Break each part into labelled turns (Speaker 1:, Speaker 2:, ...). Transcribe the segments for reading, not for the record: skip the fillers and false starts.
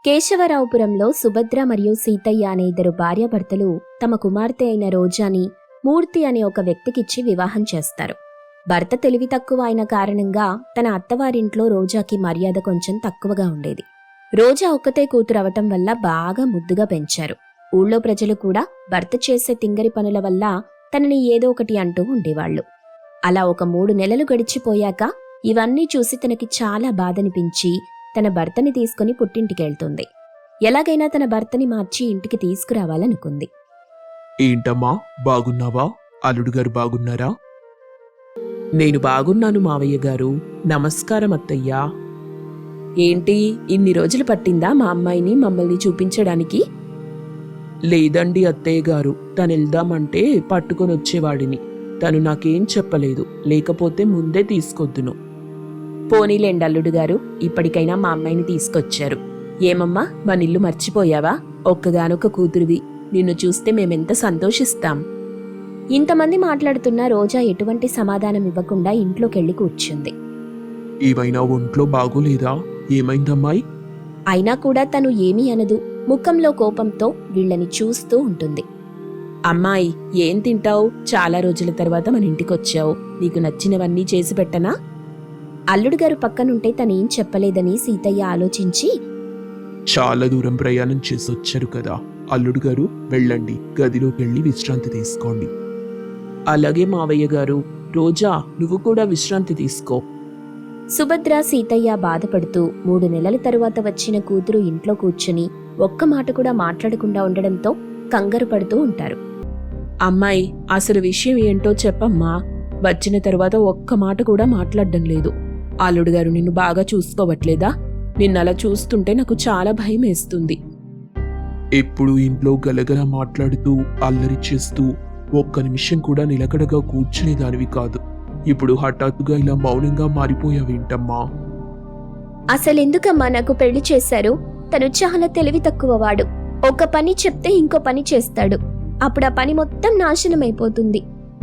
Speaker 1: కేశవరావుపురంలో సుభద్ర మరియు సీతయ్య అనే ఇద్దరు భార్యాభర్తలు తమ కుమార్తె అయిన రోజాని మూర్తి అనే ఒక వ్యక్తికిచ్చి వివాహం చేస్తారు. భర్త తెలివి తక్కువ అయిన కారణంగా తన అత్తవారింట్లో రోజాకి మర్యాద కొంచెం తక్కువగా ఉండేది. రోజా ఒక్కతే కూతురు అవటం వల్ల బాగా ముద్దుగా పెంచారు. ఊళ్ళో ప్రజలు కూడా భర్త చేసే తింగరి పనుల వల్ల తనని ఏదో ఒకటి అంటూ ఉండేవాళ్లు. అలా ఒక 3 నెలలు గడిచిపోయాక ఇవన్నీ చూసి తనకి చాలా బాధనిపించి తన భర్తని తీసుకుని పుట్టింటికెళ్తుంది. ఎలాగైనా తన భర్తని మార్చి ఇంటికి తీసుకురావాలనుకుంది.
Speaker 2: ఏంటమ్మా, బాగున్నావా? అల్లుడు గారు బాగున్నారా? నేను బాగున్నాను మావయ్య గారు. నమస్కారం అత్తయ్యా.
Speaker 1: ఏంటి, ఇన్ని రోజులు పట్టిందా మా అమ్మాయిని మమ్మల్ని చూపించడానికి?
Speaker 2: లేదండి అత్తయ్య గారు, తనెళ్దామంటే పట్టుకొని వచ్చేవాడిని. తను నాకేం చెప్పలేదు, లేకపోతే ముందే తీసుకొద్దును.
Speaker 1: పోనీలేండి అల్లుడు గారు, ఇప్పటికైనా మా అమ్మాయిని తీసుకొచ్చారు. ఏమమ్మా, మన ఇల్లు మర్చిపోయావా? ఒక్కగానొక్క కూతురివి, నిన్ను చూస్తే మేమెంత సంతోషిస్తాం. ఇంతమంది మాట్లాడుతున్నా రోజా ఎటువంటి సమాధానం ఇవ్వకుండా ఇంట్లోకెళ్లి కూర్చుంది.
Speaker 2: ఏమైనా ఒంట్లో బాగోలేదా? ఏమైందమ్మాయి?
Speaker 1: అయినా కూడా తను ఏమీ అనదు. ముఖంలో కోపంతో వీళ్ళని చూస్తూ ఉంటుంది. అమ్మాయి, ఏం తింటావు? చాలా రోజుల తర్వాత మన ఇంటికొచ్చావు. నీకు నచ్చినవన్నీ చేసి పెట్టనా? అల్లుడుగారు పక్కనుంటే తనేం చెప్పలేదని సీతయ్య ఆలోచించి,
Speaker 2: చాలా దూరం ప్రయాణం చేసొచ్చారు కదా అల్లుడు గారు, వెళ్ళండి, గదిలోకెళ్ళి విశ్రాంతి తీసుకోండి. అలాగే మావయ్య గారు. రోజా, నువ్వు కూడా విశ్రాంతి తీసుకో.
Speaker 1: సుభద్ర సీతయ్య బాధపడుతూ 3 నెలల తరువాత వచ్చిన కూతురు ఇంట్లో కూర్చుని ఒక్క మాట కూడా మాట్లాడకుండా ఉండడంతో కంగారు పడుతూ ఉంటారు.
Speaker 3: అమ్మాయి, అసలు విషయం ఏంటో చెప్పమ్మా. వచ్చిన తరువాత ఒక్క మాట కూడా మాట్లాడడం లేదు. అల్లుడుగారు నిన్ను బాగా చూసుకోవట్లేదా? నిన్నలా చూస్తుంటే నాకు చాలా భయం వేస్తుంది.
Speaker 2: ఎప్పుడు ఇంట్లో గలగల మాట్లాడుతూ అల్లరి చేస్తూ ఒక్క నిమిషం కూడా నిలకడగా కూర్చునేదానివి కాదు. ఇప్పుడు హఠాత్తుగా ఇలా మౌనంగా మారిపోయావేంటమ్మా?
Speaker 1: అసలెందుకమ్మా నాకు పెళ్లి చేశారు? తను చాలా తెలివి తక్కువవాడు. ఒక పని చెప్తే ఇంకో పని చేస్తాడు. అప్పుడు ఆ పని మొత్తం నాశనమైపోతుంది.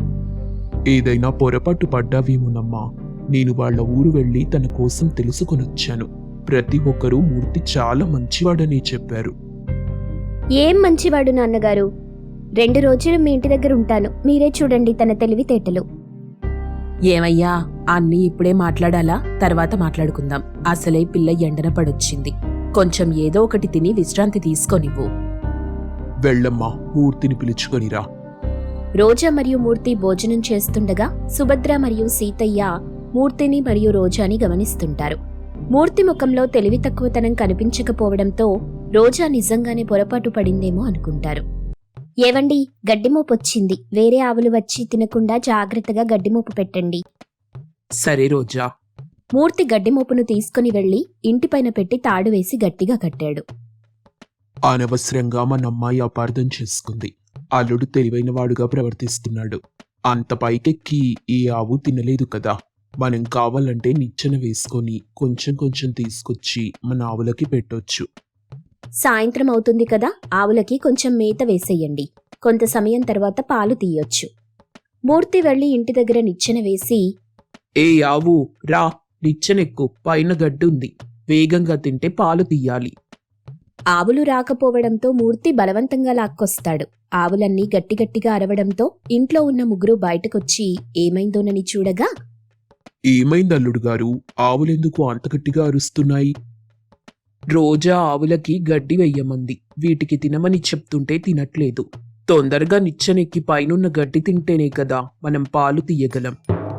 Speaker 2: ఏదైనా పొరపాటు పడ్డావేమోనమ్మా. నేను వాళ్ళ ఊరు వెళ్లి తన కోసం తెలుసుకొనొచ్చాను. ప్రతి ఒక్కరూ మూర్తి చాలా మంచివాడని చెప్పారు.
Speaker 1: ఏం మంచివాడు నాన్నగారు? 2 రోజులు మీ ఇంటి దగ్గర ఉంటాను, మీరే చూడండి తన తెలివితేటలు.
Speaker 3: ఏమయ్యా, అన్నీ ఇప్పుడే మాట్లాడాలా? తర్వాత మాట్లాడుకుందాం. అసలే పిల్ల ఎండన పడొచ్చింది. కొంచెం ఏదో ఒకటి తిని విశ్రాంతి తీసుకోనివ్వు.
Speaker 2: వెళ్ళమ్మా, మూర్తిని పిలుచుకొనిరా.
Speaker 1: రోజా మరియు మూర్తి భోజనం చేస్తుండగా సుభద్ర మరియు సీతయ్య మూర్తిని మరియు రోజాని గమనిస్తుంటారు. మూర్తి ముఖంలో తెలివి తక్కువతనం కనిపించకపోవడంతో రోజా నిజంగానే పొరపాటు పడిందేమో అనుకుంటారు. ఏవండి, గడ్డిమోపొచ్చింది. వేరే ఆవులు వచ్చి తినకుండా జాగ్రత్తగా గడ్డిమోపు పెట్టండి.
Speaker 2: సరే రోజా.
Speaker 1: మూర్తి గడ్డిమోపును తీసుకుని వెళ్లి ఇంటిపైన పెట్టి తాడు వేసి గట్టిగా కట్టాడు.
Speaker 2: అనవసరంగా మన అమ్మాయి అపార్థం చేసుకుంది. అల్లుడు తెలివైనవాడుగా ప్రవర్తిస్తున్నాడు. అంత పైకెక్కి ఈ ఆవు తినలేదు కదా. మనం కావాలంటే నిచ్చెన వేసుకొని కొంచెం కొంచెం తీసుకొచ్చి మన ఆవులకి పెట్టొచ్చు.
Speaker 1: సాయంత్రం అవుతుంది కదా, ఆవులకి కొంచెం మేత వేసేయండి. కొంత సమయం తర్వాత పాలు తీయొచ్చు. మూర్తి వెళ్లి ఇంటి దగ్గర నిచ్చెన వేసి,
Speaker 2: ఏ ఆవు రా, నిచ్చెనెక్కు, పైన గడ్డుంది. వేగంగా తింటే పాలు తీయాలి.
Speaker 1: ఆవులు రాకపోవడంతో మూర్తి బలవంతంగా లాక్కొస్తాడు. ఆవులన్నీ గట్టిగట్టిగా అరవడంతో ఇంట్లో ఉన్న ముగ్గురు బయటకొచ్చి ఏమైందోనని చూడగా,
Speaker 2: ఏమైంది అల్లుడు గారు? ఆవులెందుకు అంత గట్టిగా అరుస్తున్నాయి? రోజా ఆవులకి గడ్డి వెయ్యమంది. వీటికి తినమని చెప్తుంటే తినట్లేదు. తొందరగా నిచ్చెనెక్కి పైనున్న గడ్డి తింటేనే కదా మనం పాలు తీయగలం.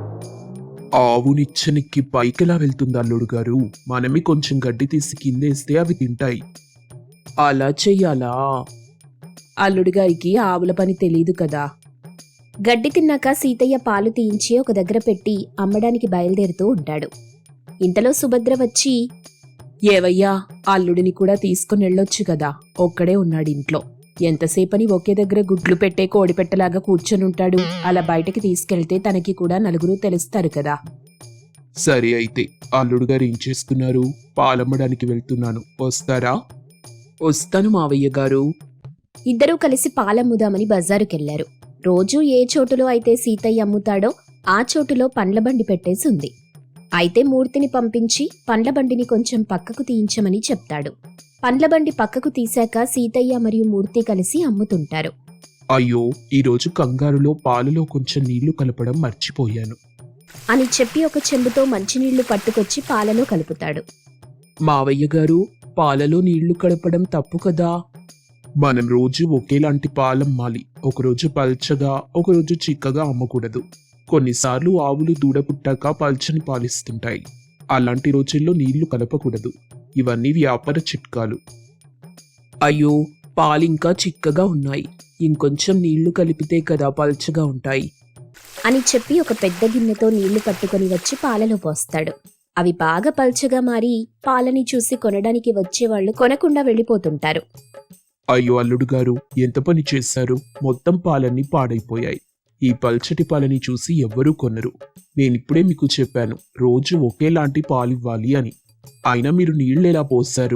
Speaker 2: ఆవు నిచ్చెనెక్కి పైకెలా వెళ్తుంది అల్లుడు గారు? మనమే కొంచెం గడ్డి తీసి కిందేస్తే అవి తింటాయి.
Speaker 3: అలా చెయ్యాలా? అల్లుడిగారికి ఆవుల పని తెలీదు కదా.
Speaker 1: గడ్డి తిన్నాక సీతయ్య పాలు తీయించి ఒక దగ్గర పెట్టి అమ్మడానికి బయలుదేరుతూ ఉంటాడు. ఇంతలో సుభద్ర వచ్చి,
Speaker 3: ఏవయ్యా, అల్లుడిని కూడా తీసుకునెళ్ళొచ్చు కదా. ఒక్కడే ఉన్నాడు ఇంట్లో. ఎంతసేపని ఒకే దగ్గర గుడ్లు పెట్టే కోడిపెట్టలాగా కూర్చొనుంటాడు. అలా బయటకి తీసుకెళ్తే తనకి కూడా నలుగురు తెలుస్తారు కదా.
Speaker 2: సరే అయితే, అల్లుడు గారు ఏం చేస్తున్నారు? పాలమ్మడానికి వెళ్తున్నాను, వస్తారా?
Speaker 3: వస్తాను మావయ్య గారు.
Speaker 1: ఇద్దరూ కలిసి పాలమ్ముదామని బజారుకెళ్లారు. రోజూ ఏ చోటులో అయితే సీతయ్య అమ్ముతాడో ఆ చోటులో పండ్ల బండి పెట్టేసి ఉంది. అయితే మూర్తిని పంపించి పండ్ల బండిని కొంచెం పక్కకు తీయించమని చెప్తాడు. పండ్ల బండి పక్కకు తీశాక సీతయ్య మరియు మూర్తి కలిసి అమ్ముతుంటారు.
Speaker 2: అయ్యో, ఈరోజు కంగారులో పాలలో కొంచెం నీళ్లు కలపడం మర్చిపోయాను.
Speaker 1: అని చెప్పి ఒక చెంబుతో మంచినీళ్లు పట్టుకొచ్చి పాలలో కలుపుతాడు.
Speaker 2: మావయ్య గారు, పాలలో నీళ్లు కలపడం తప్పు కదా. మనం రోజు ఒకేలాంటి పాలమ్మాలి. ఒకరోజు పల్చగా, ఒకరోజు చిక్కగా అమ్మకూడదు. కొన్నిసార్లు ఆవులు దూడ పుట్టాక పల్చని పాలిస్తుంటాయి. అలాంటి రోజుల్లో నీళ్లు కలపకూడదు. ఇవన్నీ వ్యాపార చిట్కాలు. అయ్యో, పాలింకా చిక్కగా ఉన్నాయి. ఇంకొంచెం నీళ్లు కలిపితే కదా పల్చగా ఉంటాయి.
Speaker 1: అని చెప్పి ఒక పెద్ద గిన్నెతో నీళ్లు పట్టుకొని వచ్చి పాలలో పోస్తాడు. అవి బాగా పల్చగా మారి పాలని చూసి కొనడానికి వచ్చేవాళ్లు కొనకుండా వెళ్ళిపోతుంటారు.
Speaker 2: అయ్యో అల్లుడు గారు, ఎంత పని చేశారు. మొత్తం పాలన్నీ పాడైపోయాయి. ఈ పల్చటి పాలని చూసి ఎవ్వరూ కొనరు. నేనిప్పుడే మీకు చెప్పాను, రోజు ఒకేలాంటి పాలివ్వాలి అని. అయినా మీరు నీళ్ళెలా పోస్తారు?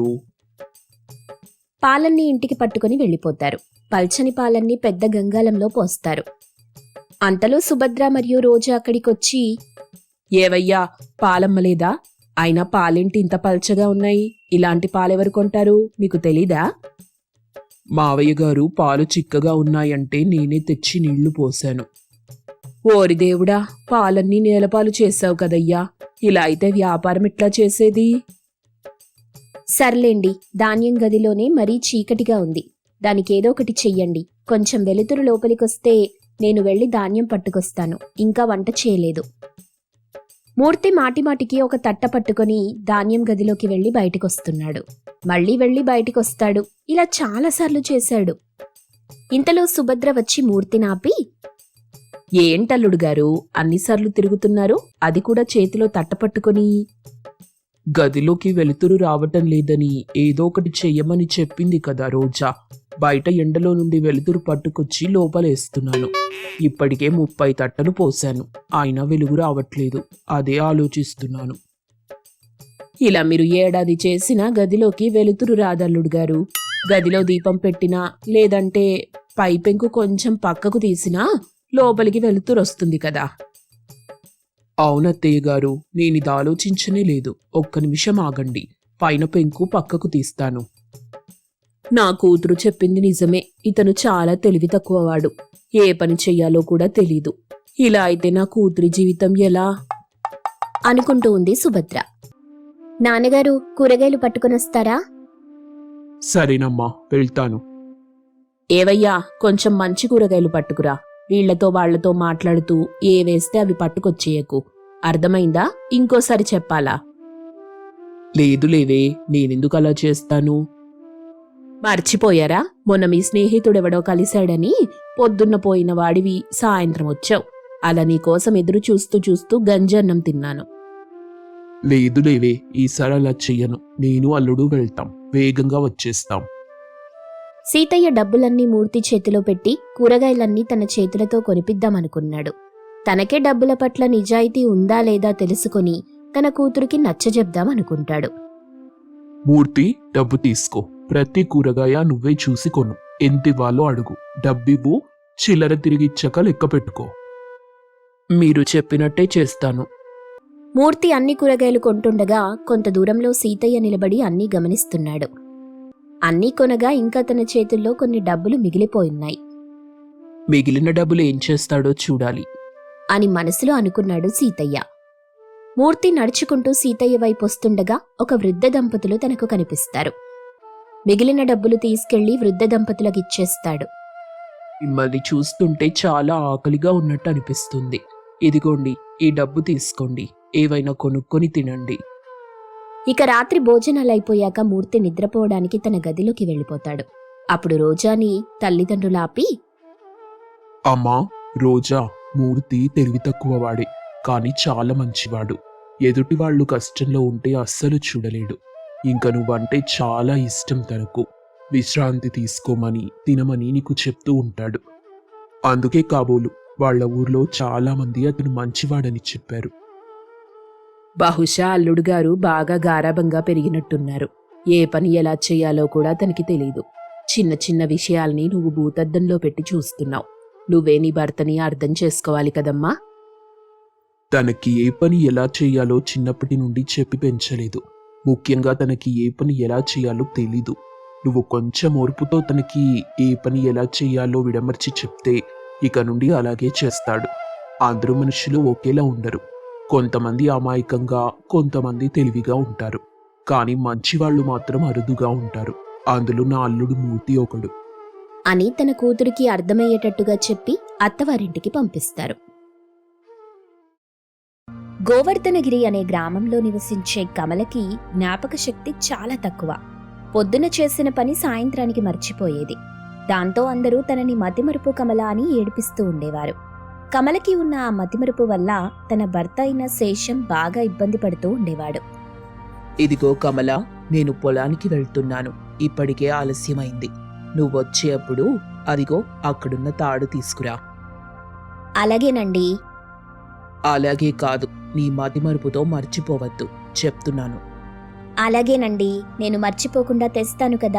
Speaker 1: పాలన్నీ ఇంటికి పట్టుకొని వెళ్ళిపోతారు. పల్చని పాలన్నీ పెద్ద గంగాళంలో పోస్తారు. అంతలో సుభద్ర మరియు రోజా అక్కడికొచ్చి,
Speaker 3: ఏవయ్యా, పాలమ్మలేదా? అయినా పాలేంటి ఇంత పల్చగా ఉన్నాయి? ఇలాంటి పాలెవరు కొంటారు? మీకు తెలీదా?
Speaker 2: మావయ్య గారు, పాలు చిక్కగా ఉన్నాయంటే నేనే తెచ్చి నీళ్లు పోశాను.
Speaker 3: ఓరి దేవుడా, పాలన్నీ నేలపాలు చేశావు కదయ్యా. ఇలా అయితే వ్యాపారం ఎట్లా చేసేది?
Speaker 1: సర్లేండి, ధాన్యం గదిలోనే మరీ చీకటిగా ఉంది. దానికేదో ఒకటి చెయ్యండి. కొంచెం వెలుతురు లోపలికొస్తే నేను వెళ్లి ధాన్యం పట్టుకొస్తాను. ఇంకా వంట చేయలేదు. మూర్తి మాటిమాటికి ఒక తట్ట పట్టుకొని ధాన్యం గదిలోకి వెళ్లి బయటికొస్తున్నాడు. మళ్లీ వెళ్లి బయటికొస్తాడు. ఇలా చాలాసార్లు చేశాడు. ఇంతలో సుభద్ర వచ్చి మూర్తినాపి,
Speaker 3: ఏంటల్లుడు గారు అన్నిసార్లు తిరుగుతున్నారు? అది కూడా చేతిలో తట్ట పట్టుకొని.
Speaker 2: గదిలోకి వెలుతురు రావటం లేదని ఏదో ఒకటి చెయ్యమని చెప్పింది కదా రోజా. బయట ఎండలో నుండి వెలుతురు పట్టుకొచ్చి లోపలేస్తున్నాను. ఇప్పటికే 30 తట్టలు పోశాను. అయినా వెలుగు రావట్లేదు. అదే ఆలోచిస్తున్నాను.
Speaker 3: ఇలా మీరు ఏడాది చేసినా గదిలోకి వెలుతురు రాదల్లుడు గారు. గదిలో దీపం పెట్టినా, లేదంటే పైపెంకు కొంచెం పక్కకు తీసినా లోపలికి వెలుతురు వస్తుంది కదా.
Speaker 2: అవునత్తయ్య గారు, నేనిది ఆలోచించనే లేదు. ఒక్క నిమిషం ఆగండి. పైన పెంకు పక్కకు తీస్తాను.
Speaker 3: నా కూతురు చెప్పింది నిజమే. ఇతను చాలా తెలివి తక్కువవాడు. ఏ పని చెయ్యాలో కూడా తెలీదు. ఇలా అయితే నా కూతురి జీవితం ఎలా?
Speaker 1: అనుకుంటూ ఉంది సుభద్ర. నాన్నగారు, కూరగాయలు పట్టుకొనొస్తారా?
Speaker 2: సరేనమ్మా, వెళ్తాను.
Speaker 3: ఏవయ్యా, కొంచెం మంచి కూరగాయలు పట్టుకురా. వీళ్లతో వాళ్లతో మాట్లాడుతూ ఏ వేస్తే అవి పట్టుకొచ్చేయకు. అర్థమైందా? ఇంకోసారి చెప్పాలా?
Speaker 2: లేదు లేవే, నేనెందుకు అలా చేస్తాను?
Speaker 3: మర్చిపోయారా? మొన్న మీ స్నేహితుడెవడో కలిశాడని పొద్దున్న పోయిన వాడివి సాయంత్రం వచ్చావు. అలా నీకోసం ఎదురు చూస్తూ చూస్తూ గంజన్నం తిన్నాను.
Speaker 2: లేదు లేవే, ఈసారి అలా చెయ్యను. నేను అల్లుడు వెళ్తాం. వేగంగా వచ్చేస్తాం.
Speaker 1: సీతయ్య డబ్బులన్నీ మూర్తి చేతిలో పెట్టి కూరగాయలన్నీ తన చేతులతో కొనిపిద్దామనుకున్నాడు. తనకే డబ్బుల పట్ల నిజాయితీ ఉందా లేదా తెలుసుకొని తన కూతురికి నచ్చజెప్దామనుకుంటాడు.
Speaker 2: మూర్తి, డబ్బు తీసుకో. ప్రతి కూరగాయ నువ్వే చూసి కొను. ఎంతివ్వాలో అడుగు. డబ్బివ్వు. చిల్లర తిరిగిచ్చాక లెక్క పెట్టుకో. మీరు చెప్పినట్టే చేస్తాను.
Speaker 1: మూర్తి అన్ని కూరగాయలు కొంటుండగా కొంత దూరంలో సీతయ్య నిలబడి అన్నీ గమనిస్తున్నాడు. అన్నీ కొనగా ఇంకా తన చేతుల్లో కొన్ని డబ్బులు మిగిలిపోయున్నాయి
Speaker 2: మిగిలిన డబ్బులు ఏం చేస్తాడో చూడాలి
Speaker 1: అని మనసులో అనుకున్నాడు సీతయ్య. మూర్తి నడుచుకుంటూ సీతయ్య వైపు వస్తుండగా ఒక వృద్ధ దంపతులు తనకు కనిపిస్తారు. మిగిలిన డబ్బులు తీసుకెళ్లి వృద్ధ దంపతులకిచ్చేస్తాడు.
Speaker 2: మిమ్మల్ని చూస్తుంటే చాలా ఆకలిగా ఉన్నట్టు అనిపిస్తుంది. ఇదిగోండి, ఈ డబ్బు తీసుకోండి. ఏవైనా కొనుక్కొని తినండి.
Speaker 1: ఇక రాత్రి భోజనాలైపోయాక మూర్తి నిద్రపోవడానికి తన గదిలోకి వెళ్ళిపోతాడు. అప్పుడు రోజాని తల్లిదండ్రులాపి,
Speaker 2: అమ్మా రోజా, మూర్తి తెలివి తక్కువవాడే, కాని చాలా మంచివాడు. ఎదుటి వాళ్ళు కష్టంలో ఉంటే అస్సలు చూడలేడు. ఇంక నువ్వంటే చాలా ఇష్టం తనకు. విశ్రాంతి తీసుకోమని, తినమని నీకు చెప్తూ ఉంటాడు. అందుకే కాబోలు వాళ్ళ ఊర్లో చాలా మంది అతను మంచివాడని చెప్పారు.
Speaker 3: బహుశా అల్లుడు గారు బాగా గారాబంగా పెరిగినట్టున్నారు. ఏ పని ఎలా చేయాలో కూడా తనకి తెలీదు. చిన్న చిన్న విషయాల్ని నువ్వు భూతద్దంలో పెట్టి చూస్తున్నావు. నువ్వే నీ భర్తని అర్థం చేసుకోవాలి కదమ్మా.
Speaker 2: తనకి ఏ పని ఎలా చేయాలో చిన్నప్పటి నుండి చెప్పి పెంచలేదు. ముఖ్యంగా తనకి ఏ పని ఎలా చేయాలో తెలీదు. నువ్వు కొంచెం ఓర్పుతో తనకి ఏ పని ఎలా చేయాలో విడమర్చి చెప్తే ఇక నుండి అలాగే చేస్తాడు. అందరూ మనుషులు ఒకేలా ఉండరు. కొంతమంది అమాయకంగా, కొంతమంది తెలివిగా ఉంటారు. కానీ మంచివాళ్ళు మాత్రం అరుదుగా ఉంటారు. అందులో నా అల్లుడు మూర్తి ఒకడు.
Speaker 1: అని తన కూతురికి అర్థమయ్యేటట్టుగా చెప్పి అత్తవారింటికి పంపిస్తారు. గోవర్ధనగిరి అనే గ్రామంలో నివసించే కమలకి జ్ఞాపక శక్తి చాలా తక్కువ. పొద్దున చేసిన పని సాయంత్రానికి మర్చిపోయేది. దాంతో అందరూ తనని మతిమరుపు కమల అని ఏడిపిస్తూ ఉండేవారు. కమలకి ఉన్న ఆ మతిమరుపు వల్ల తన భర్త అయిన శేషం బాగా ఇబ్బంది పడుతూ ఉండేవాడు.
Speaker 3: ఇదిగో కమల, నేను పొలానికి వెళ్తున్నాను. ఇప్పటికే ఆలస్యమైంది. నువ్వొచ్చేప్పుడు అదిగో అక్కడున్న తాడు తీసుకురా.
Speaker 1: అలాగేనండి.
Speaker 3: అలాగే కాదు, నీ మతిమరుపుతో మర్చిపోవద్దు చెప్తున్నాను.
Speaker 1: అలాగేనండి, నేను మర్చిపోకుండా తెస్తాను కదా.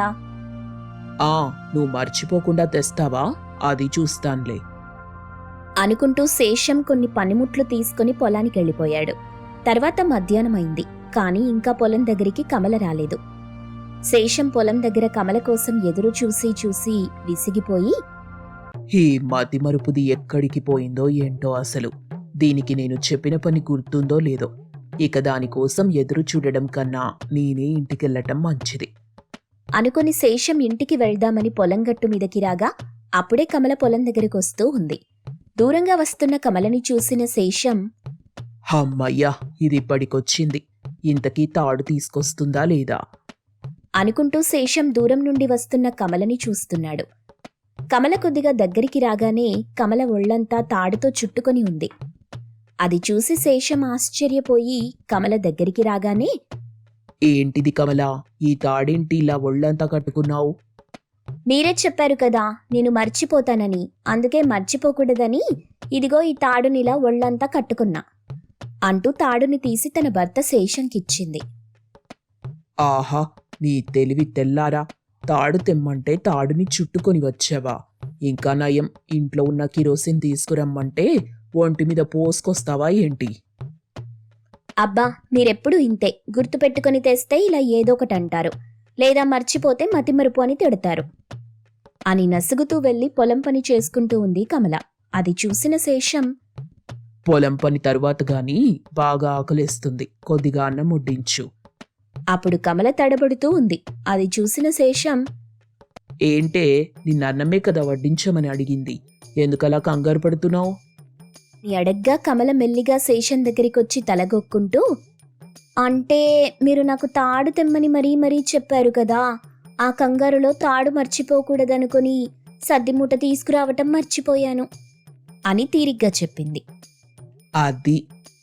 Speaker 3: నువ్వు మర్చిపోకుండా తెస్తావా? అది చూస్తాన్లే
Speaker 1: అనుకుంటూ శేషం కొన్ని పనిముట్లు తీసుకుని పొలానికి వెళ్ళిపోయాడు. తర్వాత మధ్యాహ్నమైంది. కానీ ఇంకా పొలం దగ్గరికి కమల రాలేదు. శేషం పొలం దగ్గర కమల కోసం ఎదురు చూసి చూసి విసిగిపోయి,
Speaker 3: ఈ మతిమరుపుది ఎక్కడికి పోయిందో ఏంటో అసలు. దీనికి నేను చెప్పిన పని గుర్తుందో లేదో. ఇక దానికోసం ఎదురు చూడడం కన్నా నేనే ఇంటికెళ్ళటం మంచిది
Speaker 1: అనుకుని శేషం ఇంటికి వెళ్దామని పొలం గట్టు మీదకి రాగా అప్పుడే కమల పొలం దగ్గరికి వస్తూ ఉంది. దూరంగా వస్తున్న కమలని చూసిన శేషం,
Speaker 3: అమ్మయ్యా, ఇది ఇప్పటికొచ్చింది. ఇంతకీ తాడు తీసుకొస్తుందా లేదా
Speaker 1: అనుకుంటూ శేషం దూరం నుండి వస్తున్న కమలని చూస్తున్నాడు. కమల కొద్దిగా దగ్గరికి రాగానే కమల ఒళ్లంతా తాడుతో చుట్టుకొని ఉంది. అది చూసి శేషం ఆశ్చర్యపోయి కమల దగ్గరికి రాగానే,
Speaker 3: ఏంటిది కమల, ఈ తాడేంటి ఇలా ఒళ్ళంతా కట్టుకున్నావు?
Speaker 1: మీరే చెప్పారు కదా నేను మర్చిపోతానని, అందుకే మర్చిపోకూడదని ఇదిగో ఈ తాడునిలా ఒళ్లంతా కట్టుకున్నా అంటూ తాడుని తీసి తన భర్త శేషంకిచ్చింది.
Speaker 3: ఆహా, నీ తెలివి తెల్లారా! తాడు తెమ్మంటే తాడుని చుట్టుకొని వచ్చావా? ఇంకా నయం, ఇంట్లో ఉన్న కిరోసిన్ తీసుకురమ్మంటే ఒంటి మీద పోసుకొస్తావా ఏంటి?
Speaker 1: అబ్బా, మీరెప్పుడు ఇంతే, గుర్తుపెట్టుకుని తెస్తే ఇలా ఏదో ఒకటి అంటారు, లేదా మర్చిపోతే మతిమరుపు అని తిడతారు అని నసుగుతూ వెళ్లి పొలం పని చేసుకుంటూ ఉంది కమల. అది చూసిన శేషం,
Speaker 3: పొలం పని తరువాత గాని బాగా ఆకలేస్తుంది, కొద్దిగా అన్నం వడ్డించు.
Speaker 1: అప్పుడు కమల తడబడుతూ ఉంది. అది చూసిన శేషం,
Speaker 3: ఏంటే, నిన్న అన్నమే కదా వడ్డించమని అడిగింది, ఎందుకలా కంగారు పడుతున్నావు?
Speaker 1: అడగ్గా కమల మెల్లిగా శేషం దగ్గరికొచ్చి తలగొక్కుంటూ, అంటే మీరు నాకు తాడు తెమ్మని మరీ చెప్పారు కదా, ఆ కంగారులో తాడు మర్చిపోకూడదనుకుని సద్దిమూట తీసుకురావటం మర్చిపోయాను అని తీరిగ్గా చెప్పింది.
Speaker 3: అది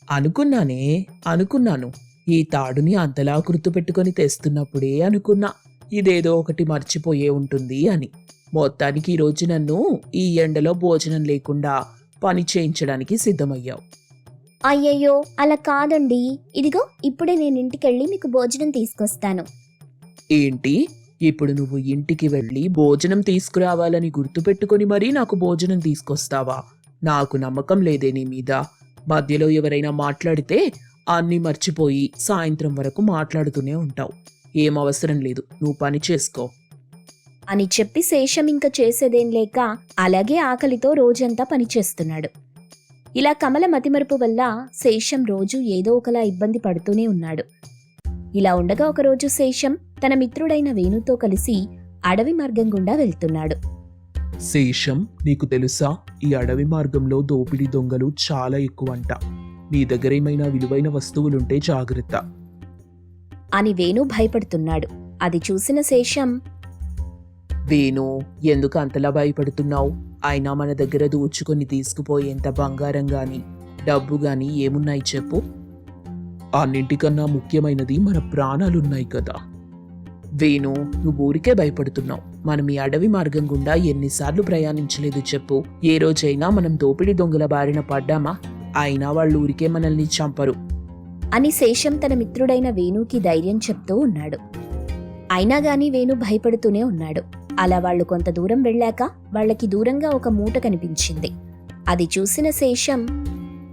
Speaker 3: అనుకున్నాను. ఈ తాడుని అంతలా గుర్తుపెట్టుకొని తెస్తున్నప్పుడే అనుకున్నా ఇదేదో ఒకటి మర్చిపోయే ఉంటుంది అని. మొత్తానికి ఈరోజు నన్ను ఈ ఎండలో భోజనం లేకుండా పని చేయించడానికి సిద్ధమయ్యావు.
Speaker 1: అయ్యయ్యో, అలా కాదండి, ఇదిగో ఇప్పుడే నేను ఇంటికెళ్ళి మీకు భోజనం తీసుకొస్తాను.
Speaker 3: ఏంటి, ఇప్పుడు నువ్వు ఇంటికి వెళ్ళి భోజనం తీసుకురావాలని గుర్తుపెట్టుకొని మరీ నాకు భోజనం తీసుకొస్తావా? నాకు నమ్మకం లేదే నీ మీద. మధ్యలో ఎవరైనా మాట్లాడితే అన్నీ మర్చిపోయి సాయంత్రం వరకు మాట్లాడుతూనే ఉంటావు. ఏం అవసరం లేదు, నువ్వు పని చేసుకో
Speaker 1: అని చెప్పి శేషం ఇంక చేసేదేం లేక అలాగే ఆకలితో రోజంతా పనిచేస్తున్నాడు. ఇలా కమల మతిమరుపు వల్ల శేషం రోజు ఏదో ఒకలా ఇబ్బంది పడుతూనే ఉన్నాడు. ఇలా ఉండగా ఒకరోజు శేషం తన మిత్రుడైన వేణుతో కలిసి అడవి మార్గం గుండా వెళ్తున్నాడు.
Speaker 2: శేషం, నీకు తెలుసా, ఈ అడవి మార్గంలో దోపిడీ దొంగలు చాలా ఎక్కువంట. నీ దగ్గర ఏమైనా విలువైన వస్తువులుంటే జాగ్రత్త
Speaker 1: అని వేణు భయపడుతున్నాడు. అది చూసిన శేషం,
Speaker 3: వేణు, ఎందుకు అంతలా భయపడుతున్నావు? అయినా మన దగ్గర దోచుకొని తీసుకుపోయేంత బంగారం గాని డబ్బు గాని ఏమున్నాయి చెప్పు.
Speaker 2: అన్నింటికన్నా ముఖ్యమైనది మన ప్రాణాలున్నాయి కదా.
Speaker 3: వేణు, నువ్వు ఊరికే భయపడుతున్నావు. మనం ఈ అడవి మార్గం గుండా ఎన్నిసార్లు ప్రయాణించలేదు చెప్పు. ఏ రోజైనా మనం దోపిడీ దొంగల బారిన పడ్డామా? అయినా వాళ్ళు ఊరికే మనల్ని చంపరు
Speaker 1: అని శేషం తన మిత్రుడైన వేణుకి ధైర్యం చెప్తూ ఉన్నాడు. అయినా గాని వేణు భయపడుతూనే ఉన్నాడు. అలా వాళ్ళు కొంత దూరం వెళ్ళాక వాళ్ళకి దూరంగా ఒక మూట కనిపించింది. అది చూసిన శేషం,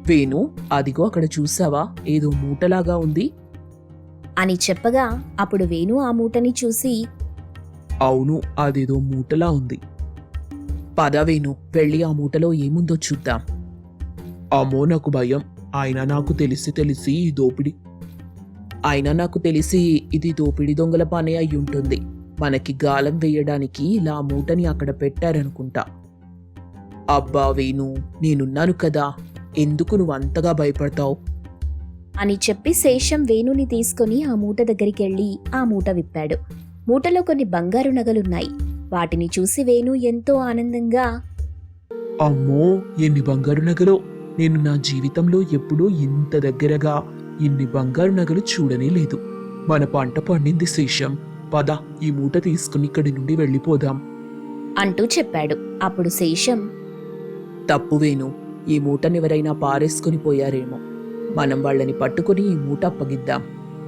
Speaker 2: వేణు, అదిగో అక్కడ చూసావా, ఏదో మూటలాగా ఉంది.
Speaker 1: అని చెప్పగా అప్పుడు వేణు ఆ మూటని చూసి
Speaker 2: అవును, అదేదో మూటలా ఉంది. పద వేణు, వెళ్ళి ఆ మూటలో ఏముందో చూద్దాం. అమ్మో, నాకు భయం. అయినా నాకు తెలిసి ఇది దోపిడి దొంగల పని అయి ఉంటుంది. మనకి గాలం వేయడానికి ఇలా ఆ మూటని అక్కడ పెట్టారనుకుంటా. అబ్బా వేణు, నేనున్నాను కదా, ఎందుకు నువ్వు అంతగా భయపడతావు?
Speaker 1: అని చెప్పి శేషం వేణుని తీసుకుని ఆ మూట దగ్గరికెళ్ళి ఆ మూట విప్పాడు. మూటలో కొన్ని బంగారు నగలున్నాయి. వాటిని చూసి వేణు ఎంతో ఆనందంగా
Speaker 2: అమ్మో, ఎన్ని బంగారు నగలు! నేను నా జీవితంలో ఎప్పుడూ ఇంత దగ్గరగా ఇన్ని బంగారు నగలు చూడనే లేదు. మన పంట పండింది శేషం. పద, ఈ మూట తీసుకుని ఇక్కడి నుండి వెళ్ళిపోదాం
Speaker 1: అంటూ చెప్పాడు. అప్పుడు శేషం
Speaker 2: తప్పు వేణు, ఈ మూటనెవరైనా పారేసుకుని పోయారేమో. మనం వాళ్ళని పట్టుకుని ఈ మూట అప్పగిద్దాం.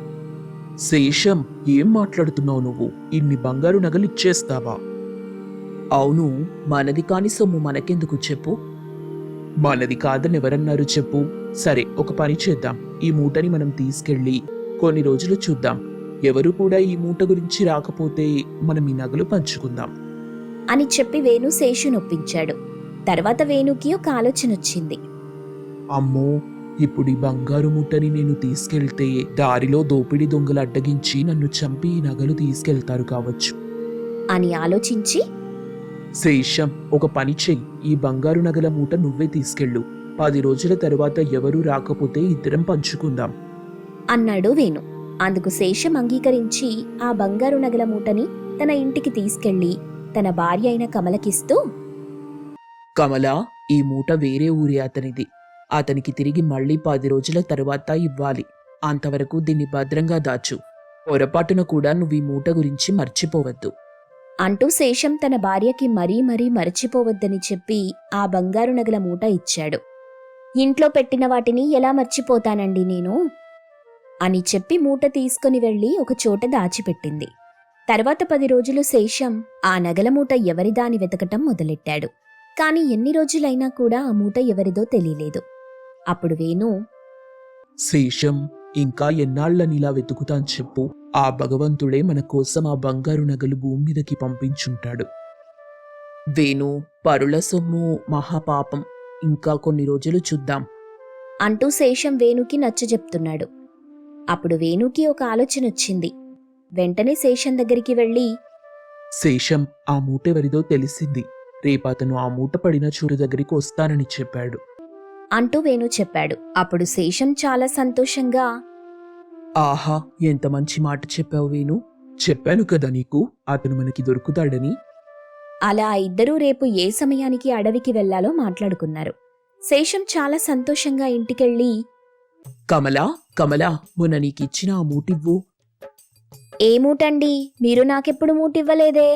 Speaker 2: శేషం, ఏం మాట్లాడుతున్నావు నువ్వు? ఇన్ని బంగారు నగలు ఇచ్చేస్తావా? అవును, మనది కాని సొమ్ము మనకెందుకు చెప్పు? మనది కాదని ఎవరన్నారు చెప్పు? సరే, ఒక పని చేద్దాం. ఈ మూటని మనం తీసుకెళ్ళి కొన్ని రోజులు చూద్దాం. ఎవరు కూడా ఈ మూట గురించి రాకపోతే మనం ఈ నగలు పంచుకుందాం
Speaker 1: అని చెప్పి వేణు శేషునొప్పించాడు. తర్వాత వేణుకి ఒక ఆలోచన వచ్చింది.
Speaker 2: అమ్మో, ఇప్పుడు ఈ బంగారు మూటని నేను తీసుకెళ్తే దారిలో దోపిడీ దొంగలు అడ్డగించి నన్ను చంపి ఈ నగలు తీసుకెళ్తారు కావచ్చు
Speaker 1: అని ఆలోచించి
Speaker 2: శేషం, ఒక పని చెయ్యి. ఈ బంగారు నగల మూట నువ్వే తీసుకెళ్ళు. 10 రోజుల తరువాత ఎవరూ రాకపోతే ఇద్దరం పంచుకుందాం
Speaker 1: అన్నాడు వేణు. అందుకు శేషం అంగీకరించి ఆ బంగారు నగల మూటని తన ఇంటికి తీసుకెళ్లి తన భార్య అయిన కమలకిస్తూ,
Speaker 2: కమలా, ఈ మూట వేరే ఊరి అతనిది. అతనికి తిరిగి మళ్ళీ 10 రోజుల తరువాత ఇవ్వాలి. అంతవరకు దీన్ని భద్రంగా దాచు. పొరపాటున కూడా నువ్వు ఈ మూట గురించి మర్చిపోవద్దు
Speaker 1: అంటూ శేషం తన భార్యకి మరీ మర్చిపోవద్దని చెప్పి ఆ బంగారు నగల మూట ఇచ్చాడు. ఇంట్లో పెట్టిన వాటిని ఎలా మర్చిపోతానండి నేను అని చెప్పి మూట తీసుకుని వెళ్లి ఒక చోట దాచిపెట్టింది. తర్వాత 10 రోజులు శేషం ఆ నగల మూట ఎవరిదా అని వెతకటం మొదలెట్టాడు. కాని ఎన్ని రోజులైనా కూడా ఆ మూట ఎవరిదో తెలియలేదు. అప్పుడు వేణు,
Speaker 2: శేషం, ఇంకా ఎన్నాళ్లని ఇలా వెతుకుతాను చెప్పు? ఆ భగవంతుడే మన కోసం ఆ బంగారు నగలు భూమి మీదకి పంపించుంటాడు. వేణు, పరుల సొమ్ము మహాపాపం. ఇంకా కొన్ని రోజులు చూద్దాం
Speaker 1: అంటూ శేషం వేణుకి నచ్చజెప్తున్నాడు. అప్పుడు వేణుకి ఒక ఆలోచన వచ్చింది. వెంటనే శేషం దగ్గరికి వెళ్లి,
Speaker 2: శేషం, ఆ మూట ఎవరిదో తెలిసింది. రేపతను ఆ మూట పడిన చూరు దగ్గరికి వస్తానని చెప్పాడు
Speaker 1: అంటూ వేణు చెప్పాడు. అప్పుడు శేషం చాలా సంతోషంగా,
Speaker 2: ఆహా, ఎంత మంచి మాట చెప్పావు వేణు. చెప్పాను కదా నీకు, అతను మనకి దొరుకుతాడని.
Speaker 1: అలా ఇద్దరూ రేపు ఏ సమయానికి అడవికి వెళ్లాలో మాట్లాడుకున్నారు. శేషం చాలా సంతోషంగా ఇంటికెళ్ళి,
Speaker 2: కమలా, మొన్న నీకిచ్చిన ఆ మూటివ్వు.
Speaker 1: ఏ మూటండి? మీరు నాకెప్పుడు మూటివ్వలేదే.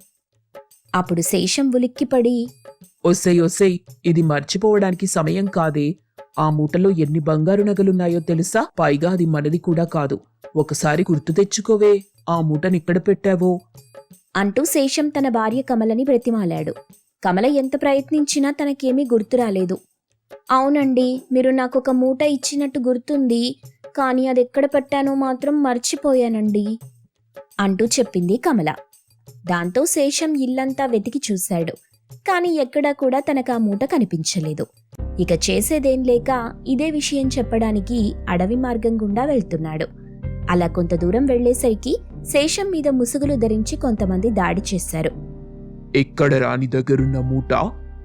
Speaker 1: అప్పుడు శేషం ఉలిక్కిపడి,
Speaker 2: ఒసేయ్, ఇది మర్చిపోవడానికి సమయం కాదే. ఆ మూటలో ఎన్ని బంగారు నగలున్నాయో తెలుసా? పైగా అది మనది కూడా కాదు. ఒకసారి గుర్తు తెచ్చుకోవే, ఆ మూటనిక్కడ పెట్టావో
Speaker 1: అంటూ శేషం తన భార్య కమలని బ్రతిమాలాడు. కమల ఎంత ప్రయత్నించినా తనకేమీ గుర్తురాలేదు. అవునండి, మీరు నాకొక మూట ఇచ్చినట్టు గుర్తుంది, కానీ అదెక్కడ పెట్టానో మాత్రం మర్చిపోయానండి అంటూ చెప్పింది కమల. దాంతో శేషం ఇల్లంతా వెతికి చూశాడు. కాని ఎక్కడా కూడా తనకా మూట కనిపించలేదు. ఇక చేసేదేం లేక ఇదే విషయం చెప్పడానికి అడవి మార్గం గుండా వెళ్తున్నాడు. అలా కొంత దూరం వెళ్లేసరికి శేషం మీద ముసుగులు ధరించి కొంతమంది దాడి చేశారు.
Speaker 2: ఎక్కడ రాని దగ్గరున్న మూట?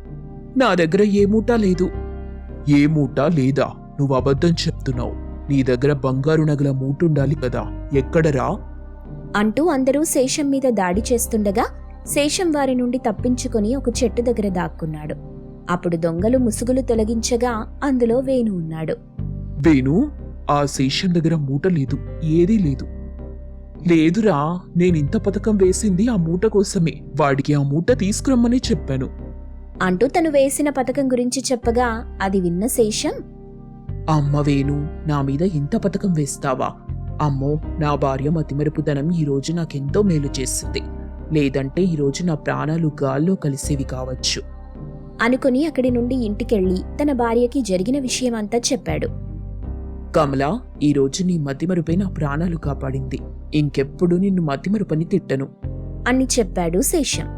Speaker 2: నా దగ్గర ఏ మూట లేదు. ఏ మూట లేదా? నువ్వు అబద్ధం చెప్తున్నావు. నీ దగ్గర బంగారు నగల మూటుండాలి కదా, ఎక్కడరా
Speaker 1: అంటూ అందరూ శేషం మీద దాడి చేస్తుండగా శేషం వారి నుండి తప్పించుకొని ఒక చెట్టు దగ్గర దాక్కున్నాడు. అప్పుడు దొంగలు ముసుగులు తొలగించగా అందులో వేణు ఉన్నాడు.
Speaker 2: వేణు, ఆ శేషం దగ్గర మూట లేదు, ఏదీ లేదు. లేదురా, నేనింత పథకం వేసింది ఆ మూట కోసమే. వాడికి ఆ మూట తీసుకురమ్మని చెప్పాను
Speaker 1: అంటూ తను వేసిన పథకం గురించి చెప్పగా అది విన్న శేషం,
Speaker 2: అమ్మ వేణు, నా మీద ఇంత పథకం వేస్తావా? అమ్మో, నా భార్య మతిమరుపుదనం ఈరోజు నాకెంతో మేలు చేస్తుంది. లేదంటే ఈరోజు నా ప్రాణాలు గాల్లో కలిసేవి కావచ్చు
Speaker 1: అనుకుని అక్కడి నుండి ఇంటికెళ్ళి తన భార్యకి జరిగిన విషయమంతా చెప్పాడు.
Speaker 2: కమలా, ఈరోజు నీ మతిమరుపై నా ప్రాణాలు కాపాడింది. ఇంకెప్పుడు నిన్ను మతిమరుపని తిట్టను
Speaker 1: అని చెప్పాడు శేషం.